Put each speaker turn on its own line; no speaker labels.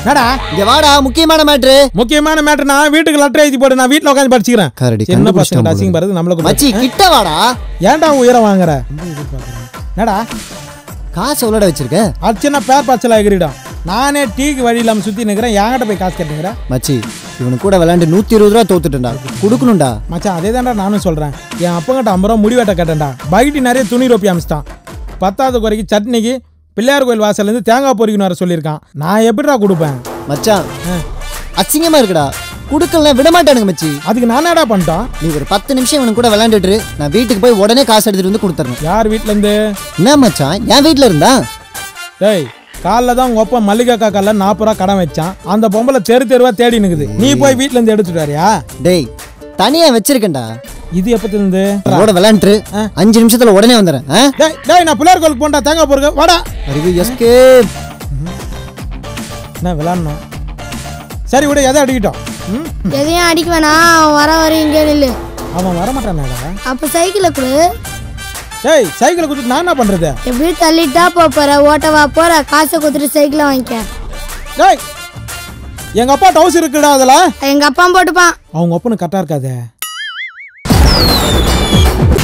என்னடா
இங்க வாடா, முக்கியமான மேட்டர்
நான் வீட்டுக்கு லெட்டர் எழுதி போடு, நான் வீட்ல உட்கார்ந்து படிச்சுக்கிறேன். சின்ன பசங்க அசிங்க பாருது நம்மளுக்கு.
மச்சி கிட்ட வாடா.
ஏன்டா உயிரை வாங்குற? என்னடா
காசு எவ்வளோட வச்சிருக்க?
அர்ச்சனா பேர் பச்சலா எகிரிடும். நானே டீக்கு வழி இல்லாம சுத்தி நிக்கிறேன், என்கிட்ட போய் காசு கேட்டுங்கிறேன்.
மச்சி இவனு கூட விளையாண்டு 120 ரூபா தோத்துட்டேன்டா, கொடுக்கணும்டா.
மச்சான் அதே தான்டா நானும் சொல்றேன். என் அப்பங்கிட்ட 50 ரூபா முடி வெட்ட கேட்டேன்டா, பைட்டி நிறைய துணி ரொப்பி அமிச்சிட்டான். 10வது குறைக்கு சட்னிக்கு பிள்ளையார் கோயில் வாசல்லேருந்து தேங்காய் பொறிக்கணும் வர சொல்லியிருக்கான். நான் எப்படிடா கொடுப்பேன்?
மச்சான் அசிங்கமா இருக்குடா, கொடுக்கலாம் விட மாட்டானுங்க மச்சி.
அதுக்கு நான் என்னடா பண்ணிட்டோம்?
நீ ஒரு 10 நிமிஷம் இவனு கூட விளையாண்டுட்டு நான் வீட்டுக்கு போய் உடனே காசு எடுத்துட்டு வந்து கொடுத்துறேன்.
யார் வீட்டுல இருந்து?
என்ன மச்சான் என் வீட்டுல இருந்தா?
டேய் காலைல தான் உங்க அப்பா மல்லிகா காக்கால 40 ரூபா கடன் வச்சான். அந்த பொம்பளை தெருவா தேடி நிக்குது, நீ போய் வீட்டுல இருந்து எடுத்துட்டு வரியா?
டேய் தனியா வச்சிருக்கேன்டா.
இது எப்பத்துல இருந்து?
விளையாண்டு 5 நிமிஷத்துல உடனே வந்துடுறேன்.
டேய் நான் பிள்ளையார் கோயிலுக்கு போண்டா, தேங்காய் பொறுக்க வாடா.
அறிவு எஸ்கேப்.
என்ன விளையாடணும்? சரி விட, எதை அடிக்கிட்டோம்?
எதையும் அடிக்க வேணாம், அவன் வர வரையும் இங்கே நில்லு.
அவன் வரமாட்டானடா.
அப்ப சைக்கிளை கொடு.
டேய் சைக்கிளை கொடுத்து நான் என்ன பண்றது?
எப்படி தள்ளிட்டா போற, ஓட்டவா போற, காசை கொடுத்துட்டு சைக்கிளை வாங்கிக்க.
டேய் எங்க அப்பா டவுஸ் இருக்குடா, அதுல
எங்க அப்பா போட்டுப்பான்.
அவங்க அப்பனு கரெக்டா இருக்காதே.